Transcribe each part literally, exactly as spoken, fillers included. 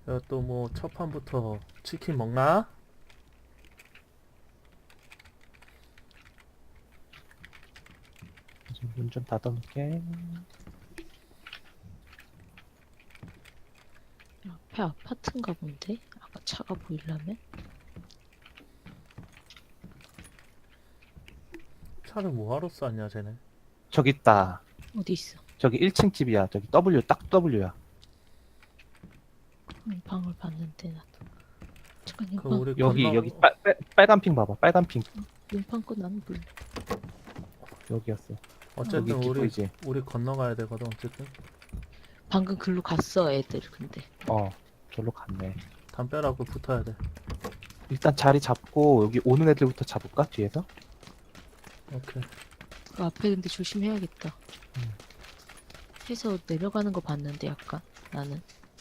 또 뭐 첫 판부터 치킨 먹나? 문 좀 닫아놓게. 앞에 아파트인가 본데? 아까 차가 보이려면? 차를 뭐하러 쌌냐 쟤네. 저기 있다. 어디 있어? 저기 일 층 집이야. 저기 W, 딱 W야. 음, 방을 봤는데 나도. 잠깐 그 용방 우리 여기, 건너... 여기 빨, 빨, 빨간 핑 봐봐. 빨간 핑. 용방 거 나는 몰라. 여기였어. 어쨌든 여기 우리 기포이지. 우리 건너가야 되거든. 어쨌든 방금 글로 갔어 애들 근데. 어, 저로 갔네. 담벼락을 붙어야 돼. 일단 자리 잡고 여기 오는 애들부터 잡을까? 뒤에서? 오케이. 그 앞에 근데 조심해야겠다. 음. 해서 내려가는 거 봤는데 약간 나는.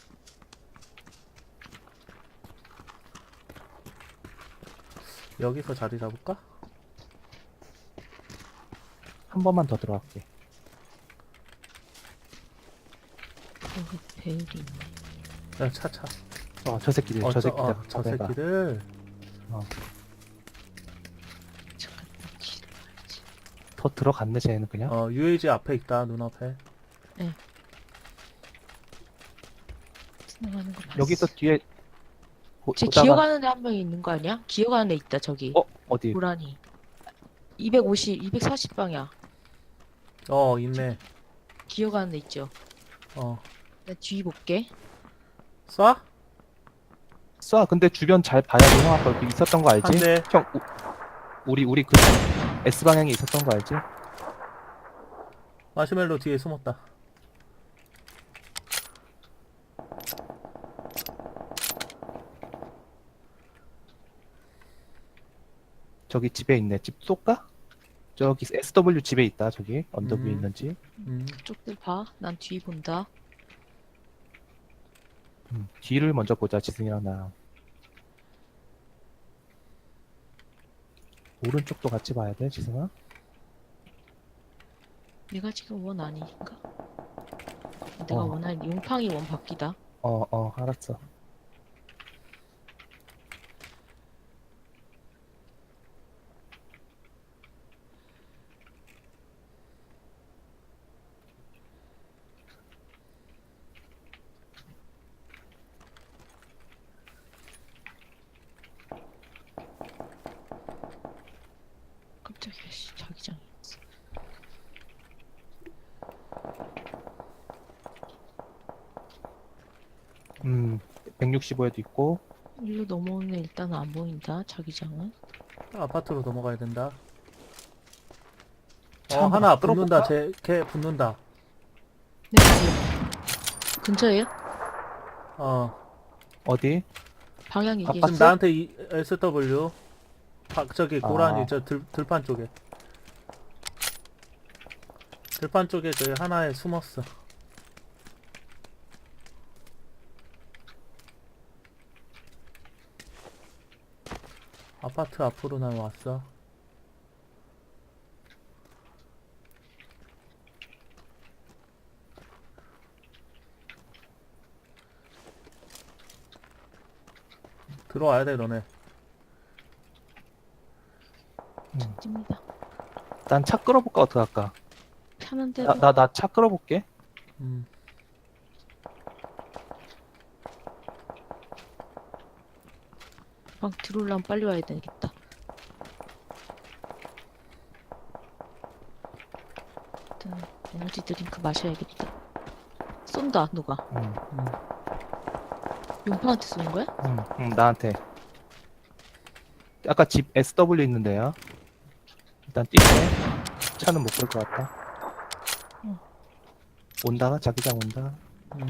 여기서 자리 잡을까? 한 번만 더 들어갈게. 여기 배율이 있네. 야 차차. 어, 저 새끼들, 어, 저 저, 새끼들. 어, 저 내가. 새끼들. 잠깐 길을 가야지. 더 들어갔네, 쟤는 그냥. 어 유에이지 앞에 있다. 눈앞에. 지나가는 거 봤어. 여기서 뒤에 보, 쟤 보다가- 기어가는 애 한 명 있는 거 아니야? 기어가는 애 있다 저기. 어? 어디? 고라니. 이백오십, 이백사십 방이야. 어 있네. 기어가는 애 있죠. 어 나 뒤 볼게. 쏴? 쏴. 근데 주변 잘 봐야 돼. 형 아까 여기 있었던 거 알지? 한 대. 형, 우, 우리, 우리 그 S방향에 있었던 거 알지? 마시멜로 뒤에 숨었다. 저기 집에 있네. 집 쏠까? 저기 에스더블유 집에 있다. 저기 언덕 위에 음. 있는 집. 음. 그쪽들 봐. 난 뒤 본다. 음, 뒤를 먼저 보자. 지승이랑 나랑. 오른쪽도 같이 봐야 돼. 지승아. 내가 지금 원 아니니까. 내가 어. 원할 용팡이 원 바뀌다. 어, 어, 알았어. 깜짝이야. 씨, 자기장이 있어. 음, 백육십오에도 있고. 일로 넘어오는 애 일단은 안 보인다. 자기장은. 아파트로 넘어가야 된다. 차 어 한번 하나 끌어볼까? 붙는다. 쟤걔 붙는다. 네, 어디야? 근처에요? 어 어디? 방향 얘기해. 아빠 지금 봤어? 나한테 이, 에스더블유. 박 저기 고라니 아. 저 들, 들판 쪽에. 들판 쪽에 저기 하나에 숨었어. 아파트 앞으로 난 왔어. 들어와야 돼 너네. 찝니다. 난 차 끌어볼까? 어떡할까? 편한 대로. 나, 나, 나 차 끌어볼게. 음. 방 들어오려면 빨리 와야 되겠다. 일단 에너지 드링크 마셔야겠다. 쏜다 누가? 응, 음. 용팡한테 쏘는 거야? 응, 응, 나한테. 아까 집 에스더블유 있는데요. 일단 뛸게. 차는 못 볼 것 같다. 응. 온다, 자기장 온다. 음.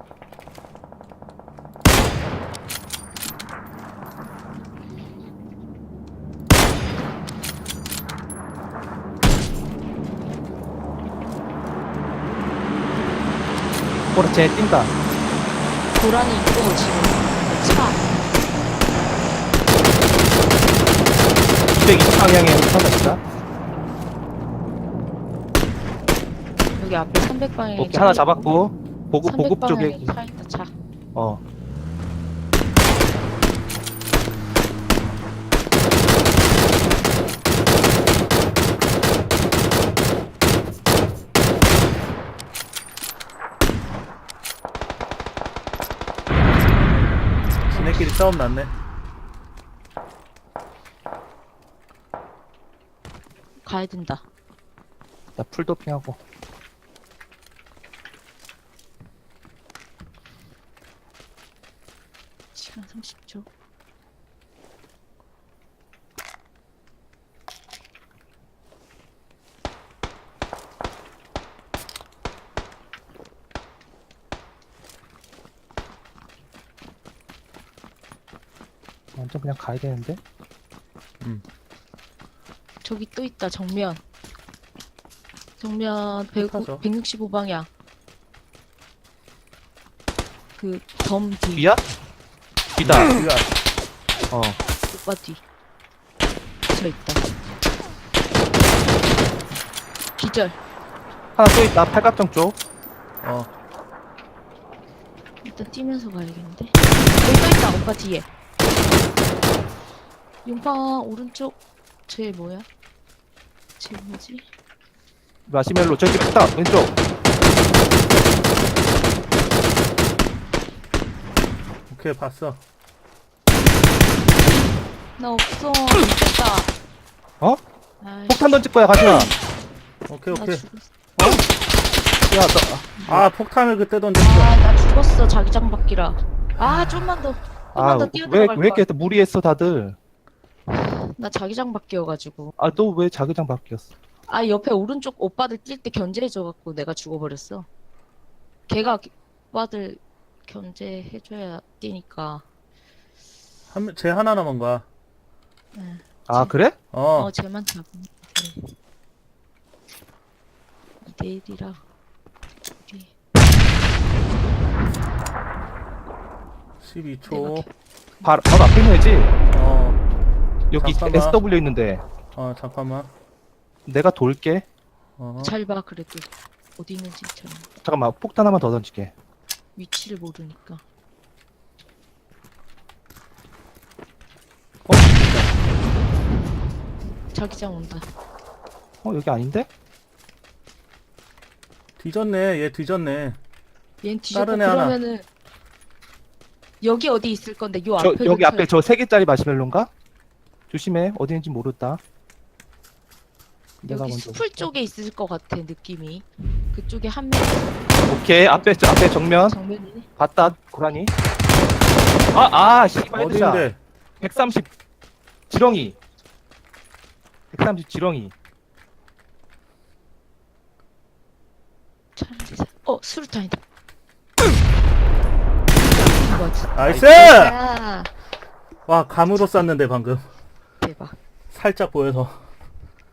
보라, 쟤 뛴다. 고라니 있고 지금 차. 이백이십 방향에 차가 있다. 여기 앞에 삼백 방향에 오케이, 하나 잡았고. 보급, 보급 쪽에. 차 있다 차. 어. 지네끼리 싸움 났네. 가야 된다. 나 풀도핑하고. 시간 삼십 초. 완전 그냥 가야 되는데? 저기 또 있다. 정면. 정면 백, 가서. 백육십오 방향. 그 덤 뒤. 뒤야? 뒤다. 우리가 어. 오빠 뒤. 저 있다. 기절. 하나 또 있다. 팔각정 쪽. 어 일단 뛰면서 가야겠는데. 여기 또 있다. 오빠 뒤에. 용방 오른쪽. 쟤 뭐야? 쟤 뭐지? 마시멜로 저기 있다. 왼쪽. 오케이 봤어. 나 없어. 죽겠다. 어? 아이씨, 폭탄 던질 거야, 가지마. 오케이 나 오케이. 죽었어. 야, 너. 아 폭탄을 그때 던졌어. 아, 나 죽었어. 자기장 바뀌라. 아, 좀만 더. 좀만 아, 더 왜, 뛰어들어갈 왜 이렇게 거야. 무리했어, 다들? 나 자기장 바뀌어가지고. 아, 너 왜 자기장 바뀌었어? 아, 옆에 오른쪽 오빠들 뛸 때 견제해줘갖고 내가 죽어버렸어. 걔가 오빠들 견제해줘야 뛰니까. 한쟤 하나 남은 거야. 네. 아, 그래? 어, 어, 쟤만 잡으면 돼. 이 대 일이라. 우리 십이 초. 바로, 바로 앞에 있는 애지? 어, 여기 잠깐만. 에스더블유 있는데. 어 잠깐만. 내가 돌게. 어, 잘 봐, 그래도. 어디 있는지 잘. 잠깐만, 폭탄 하나만 더 던질게. 위치를 모르니까. 어? 자기장 온다. 어, 여기 아닌데? 뒤졌네. 얘 뒤졌네. 얜 뒤졌고 다른 애 하나. 그러면은 여기 어디 있을 건데 요 저, 앞에 여기 앞에 저 세 개짜리 마시멜로인가? 조심해. 어디 있는지 모르겠다. 내가 여기 먼저. 수풀 쪽에 있을 것 같아 느낌이. 그쪽에 한 명 오케이. 앞에, 저 앞에 정면. 정면이네. 봤다, 고라니. 아, 아, 씨발. 헤드샷. 어디인데? 백삼십. 지렁이. 백삼십 지렁이. 차라리 사- 어 수류탄이다. 이거지. 나이스! 야 와 감으로 쐈는데 방금 대박. 살짝 보여서.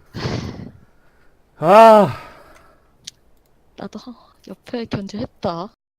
아, 나도 옆에 견제했다.